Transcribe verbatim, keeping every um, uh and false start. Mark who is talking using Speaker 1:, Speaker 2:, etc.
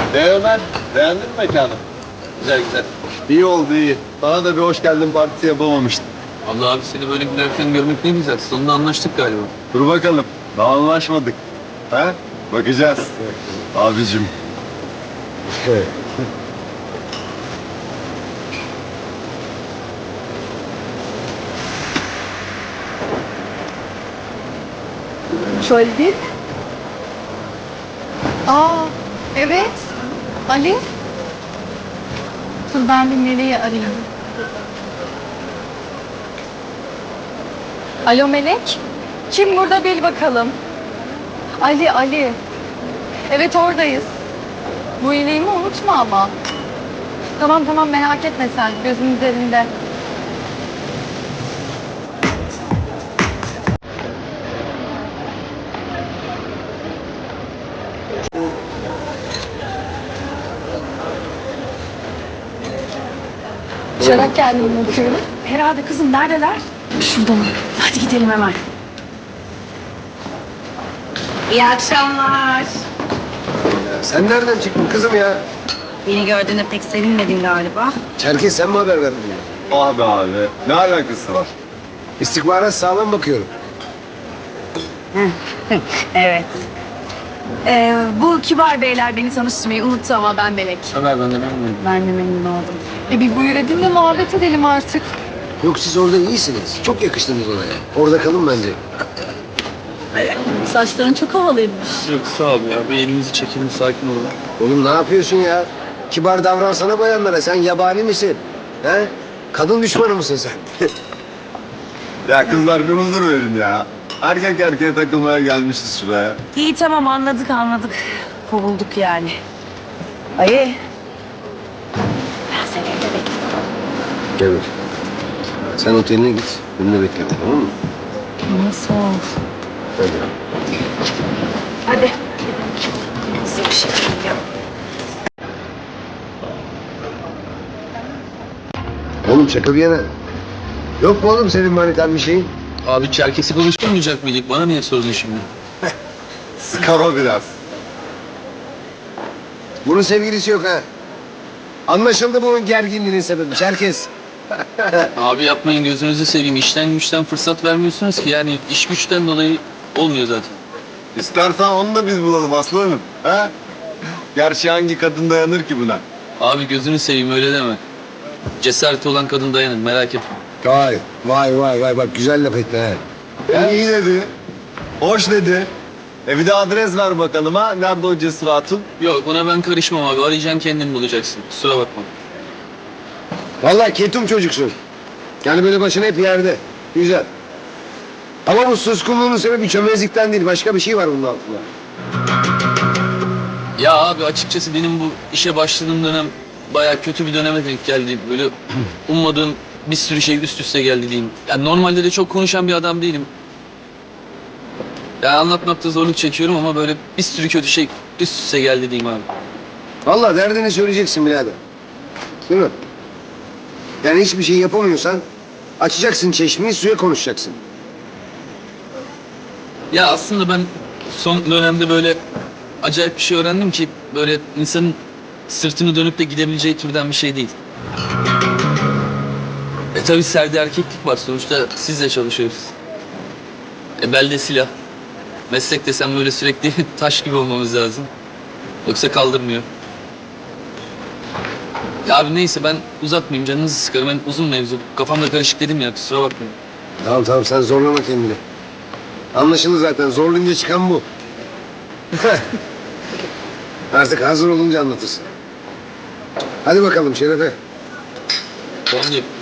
Speaker 1: Ne Ömer? Beğendin mi mekanı?
Speaker 2: Güzel güzel.
Speaker 1: İyi oldu iyi. Bana da bir hoş geldin partisi yapamamıştım.
Speaker 2: Allah abi seni böyle gülerken görmek ne güzel. Sonunda anlaştık galiba.
Speaker 1: Dur bakalım. Daha anlaşmadık. Ha? Bakacağız. Abicim.
Speaker 3: Şöyle değil mi? Aa, evet. Ali. Dur ben bir Melek'i arayayım. Alo Melek. Kim burada bil bakalım. Ali, Ali. Evet oradayız. Bu iyiliğimi unutma ama. Tamam tamam merak etme sen. Gözün üzerinde. Uçarak kendimi bakıyorum.
Speaker 4: Herhalde kızım neredeler? Şurada mı? Hadi gidelim hemen. İyi akşamlar.
Speaker 5: Sen nereden çıktın kızım ya?
Speaker 4: Beni gördüğüne pek sevinmedin galiba.
Speaker 5: Çerkez sen mi haber verdin?
Speaker 1: Abi abi. Ne alakası var?
Speaker 5: İstihbarat sağlam bakıyorum.
Speaker 4: Evet. Ee, bu kibar beyler beni tanıştırmayı unuttu ama ben Melek.
Speaker 2: Ömer ben de memnunum.
Speaker 4: Ben de memnun oldum.
Speaker 3: E bir buyur edin de muhabbet edelim artık.
Speaker 5: Yok siz orada iyisiniz. Çok yakıştınız oraya. Orada kalın bence.
Speaker 4: Saçların çok havalıymış.
Speaker 2: Yok sağ ol ya. Bir elimizi çekelim sakin olalım.
Speaker 5: Oğlum ne yapıyorsun ya? Kibar davransana bayanlara. Sen yabani misin? He? Kadın düşmanı mısın sen?
Speaker 1: Ya kızlar bir huzur verin ya. Erkek erkeğe takılmaya gelmişiz şuraya.
Speaker 4: İyi tamam anladık anladık. Kovulduk yani. Ayı. Ben seni evde bekliyorum.
Speaker 5: Gel bak. Sen oteline git. Benimle bekle. Tamam mı?
Speaker 4: Nasıl olur?
Speaker 5: Hadi.
Speaker 4: Hadi. Size bir şey diyeceğim.
Speaker 5: Oğlum şaka bir yana. Yok mu oğlum senin manitan bir şeyin?
Speaker 2: Abi Çerkes'i konuşturmayacak mıydık? Bana niye sordun şimdi?
Speaker 1: Sıkar o biraz.
Speaker 5: Bunun sevgilisi yok ha. Anlaşıldı bunun gerginliğinin sebebi. Çerkez.
Speaker 2: Abi yapmayın gözünüzü seveyim. İşten güçten fırsat vermiyorsunuz ki. Yani iş güçten dolayı olmuyor zaten.
Speaker 1: İstersen onu da biz bulalım aslanım. Ha? Gerçi hangi kadın dayanır ki buna?
Speaker 2: Abi gözünü seveyim öyle deme. Cesareti olan kadın dayanır merak etme.
Speaker 5: Vay vay vay vay bak güzel laf ettin ha.
Speaker 1: Ya iyi dedi. Hoş dedi. E bir de adres ver bakalım ha. Nerede o Cesur Hatun?
Speaker 2: Yok ona ben karışmam abi. Arayacaksın kendin bulacaksın. Kusura bakma.
Speaker 5: Vallahi ketum çocuksun. Yani böyle başına hep yerde. Güzel. Ama bu suskunluğunun sebebi çömezlikten değil. Başka bir şey var bunun altında.
Speaker 2: Ya abi açıkçası benim bu işe başladığım dönem bayağı kötü bir döneme denk geldi. Böyle ummadığım bir sürü şey üst üste geldi diyeyim. Yani normalde de çok konuşan bir adam değilim. Ya anlatmakta zorluk çekiyorum ama böyle bir sürü kötü şey üst üste geldi diyeyim abi.
Speaker 5: Vallahi derdini söyleyeceksin birader. Değil mi? Yani hiçbir şey yapamıyorsan açacaksın çeşmeyi suya konuşacaksın.
Speaker 2: Ya aslında ben son dönemde böyle acayip bir şey öğrendim ki böyle insanın sırtını dönüp de gidebileceği türden bir şey değil. E tabi serde erkeklik var sonuçta sizle çalışıyoruz. E belde silah. Meslek desem böyle sürekli taş gibi olmamız lazım. Yoksa kaldırmıyor. Ya abi neyse ben uzatmayayım canınızı sıkarım. Ben uzun mevzu. Kafamda karışık dedim ya kusura bakmayın.
Speaker 5: Tamam tamam sen zorlama kendini. Anlaşıldı zaten zorlayınca çıkan bu. Artık hazır olunca anlatırsın. Hadi bakalım Şerefe.
Speaker 2: Tamam diyeyim.